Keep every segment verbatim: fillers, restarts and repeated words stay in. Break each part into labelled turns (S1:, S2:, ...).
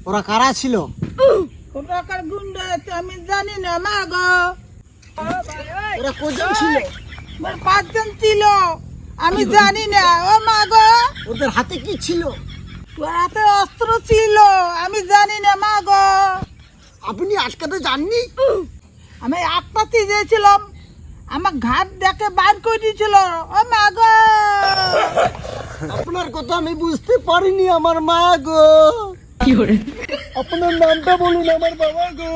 S1: ওরা কারা ছিল?
S2: ওরা কার গুন্ডা আছে আমি জানি না মা গো।
S1: ওরা কজন ছিল?
S2: মোর পাঁচজন ছিল আমি জানি না ও মা গো।
S1: ওদের হাতে কি ছিল?
S2: ওর হাতে অস্ত্র ছিল আমি জানি না মা গো।
S1: আপনি আটকাতে জাননি?
S2: আমি আটটাতে গিয়েছিলাম আমার ঘাট দেখে বার করে দিয়েছিল ও মা গো।
S1: আপনার কথা আমি বুঝতে পারিনি আমার মা গো। আপনার নামটা বলুন আমার বাবা গো।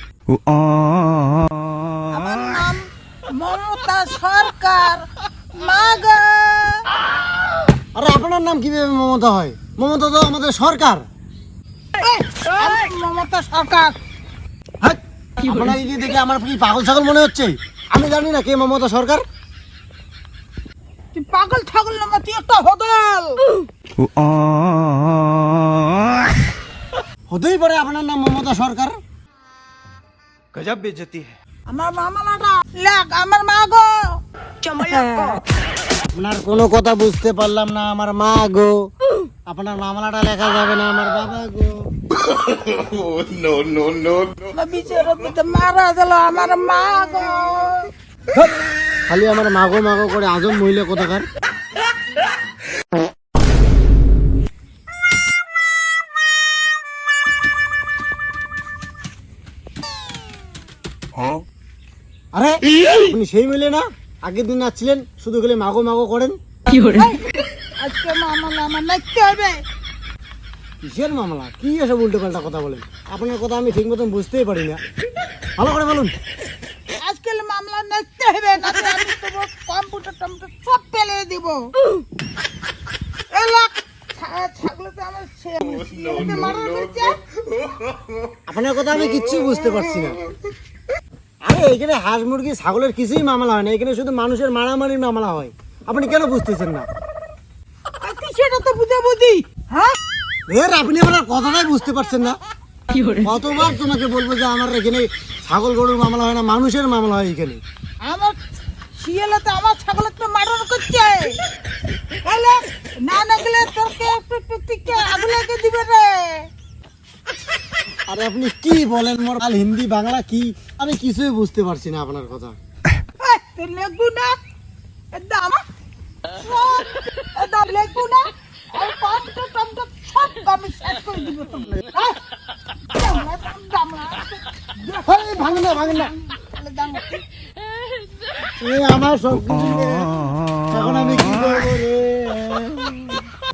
S2: আমার নাম মমতা সরকার মা গো।
S1: আরে আপনার নাম কিভাবে মমতা হয়? মমতা তো আমাদের সরকার।
S2: এই, আমি মমতা সরকার।
S1: হ্যাঁ, আপনাকে কি দেখে আমার কি পাগল ছাগল মনে হচ্ছে? আমি জানি না কে মমতা সরকার।
S2: তুই পাগল ছাগল না তুই একটা হদল।
S1: হতেই পারে আপনার নাম মমতা সরকার।
S3: गजब बेइज्जती है।
S2: আমার মামালাটা লাগ আমার মা গো।
S1: আপনার কোনো কথা বুঝতে পারলাম না আমার মা গো। আপনার মামলাটা লেখা যাবে না আমার বাবা গো।
S3: नो नो नो
S2: আমার বিচার দিতে মারা গেল আমার মা গো।
S1: ধ্যাৎ, খালি আমার মাগো মাগো করে আজম মহিলা কোথাকার। আরে আপনি সেই মিলে না আগের দিন আসছিলেন শুধু খালি মাগো মাগো করেন।
S2: এই, আজকে মামলা আমার নাচতে হবে।
S1: কিসের মামলা? কি এসব উল্টো পাল্টা কথা বলেন? আপনার কথা আমি ঠিক মতন বুঝতেই পারি না, ভালো করে বলুন।
S2: আজকে মামলা নাচতে হবে না আমি তোমার কম্পিউটার টম্পিউটার সব ফেলে দিব। এলাক ছাগলে তো আমার শেষ মারা করছে।
S1: আপনার কথা আমি কিচ্ছু বুঝতে পারছি না। আরে এখানে হাঁস মুরগি ছাগলের কিছুই মামলা হয় না, এখানে শুধু মানুষের মারামারির মামলা হয়। আপনি কেন বুঝতেছেন না?
S2: আর তুই সেটা তো বুঝে বুঝি হ্যাঁ।
S1: এর আপনি আমার কথাটাই বুঝতে পারছেন না। কতবার তোমাকে বলবো যে আমার এখানে ছাগল গরুর মামলা হয় না, মানুষের মামলা হয় এখানে।
S2: আমার শিয়ালে তো আমার ছাগলের তো মার্ডার করছে। বলে না না গেলে তোকে একটু একটু টিকে আগুলাকে দিবে রে।
S1: আরে আপনি কি বলেন? মোর কাল হিন্দি বাংলা কি আমি কিছুই বুঝতে পারছি না আপনার কথা।
S2: এই, তুই লেগু না একদম সব একদম লেগু না আর কম্পিউটার টম্পিউটার সব আমি শেষ করে দিব তোমরা। এই, দামড়া, দামড়া।
S1: এই, ভাঙেন না ভাঙেন না,
S2: তাহলে দামড়া।
S1: এ আমার সব কিছু